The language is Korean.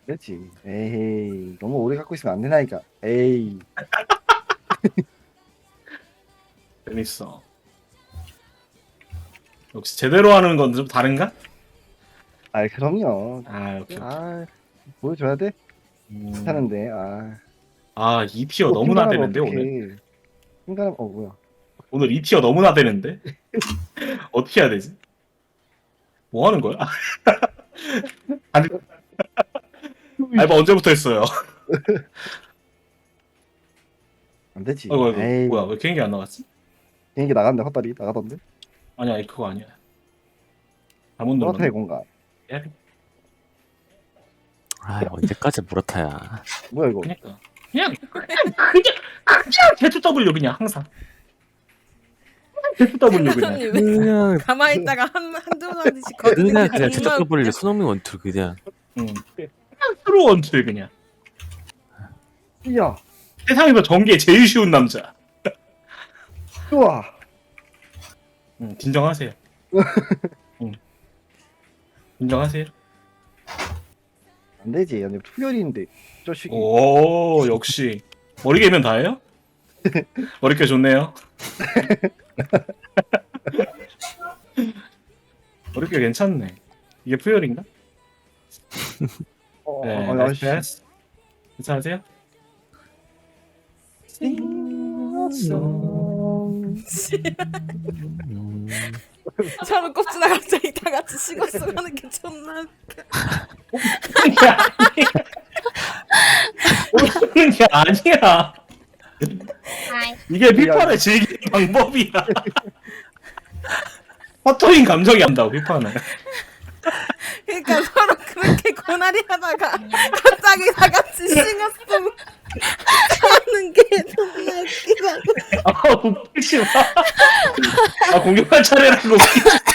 그렇지. 에이, 너무 오래 갖고 있으면 안 되나니까. 에이, 재밌어. 역시 제대로 하는 건 좀 다른가? 아, 그럼요. 아, 오케이, 오케이. 아, 보여줘야 돼? 음, 하는데, 아. 아, 2티어 또 너무나 핑가하면 되는데, 오늘? 어떡해. 핑가하면, 뭐야. 오늘 2티어 너무나 되는데? 어떻게 해야 되지? 뭐 하는 거야? 아니, 알바 언제부터 했어요? 안 되지. 아이고, 아이고, 에이, 뭐야, 왜 개인기 안 나갔지? 비행기 나갔는데, 헛다리 나가던데? 아니야, 그거 아니야. 잘못 소나타의 눌렀네. 공간. 야, 아, 언제까지 무라타야. 뭐야, 이거. 그냥 대투 W 그냥 항상. 대투 W 그냥. 왜 그냥, 가만히 있다가 한두 마디씩 거리는 그냥, 게 그냥 정말 최적 더블 손흥민 원투 그냥. 응. 그냥 트루 원투 그냥. 이야, 세상에서 전개 제일 쉬운 남자. 좋아. 응, 진정하세요. 응. 진정하세요. 안 되지. 아니, 투열인데. 저식이. 오, 역시. 머리 개면 다예요? 머리결 좋네요. 머리결 괜찮네. 이게 푸열인가? 네, 나이스 아씨. 패스. 괜찮으세요? 음, 저는 꼽지나 갑자기 다 같이 식었어 하는 게 존나 웃겨. 웃는 게 아니야. 아이, 이게 피파를 즐기는 방법이야. 허터인 감정이 한다고 피파는. 그러니까 서로 그렇게 고나리 하다가 갑자기 다 같이 식었어 하는 게 존나 웃기다고. 아 웃기지 마. 아 공격할 차례라고 웃기지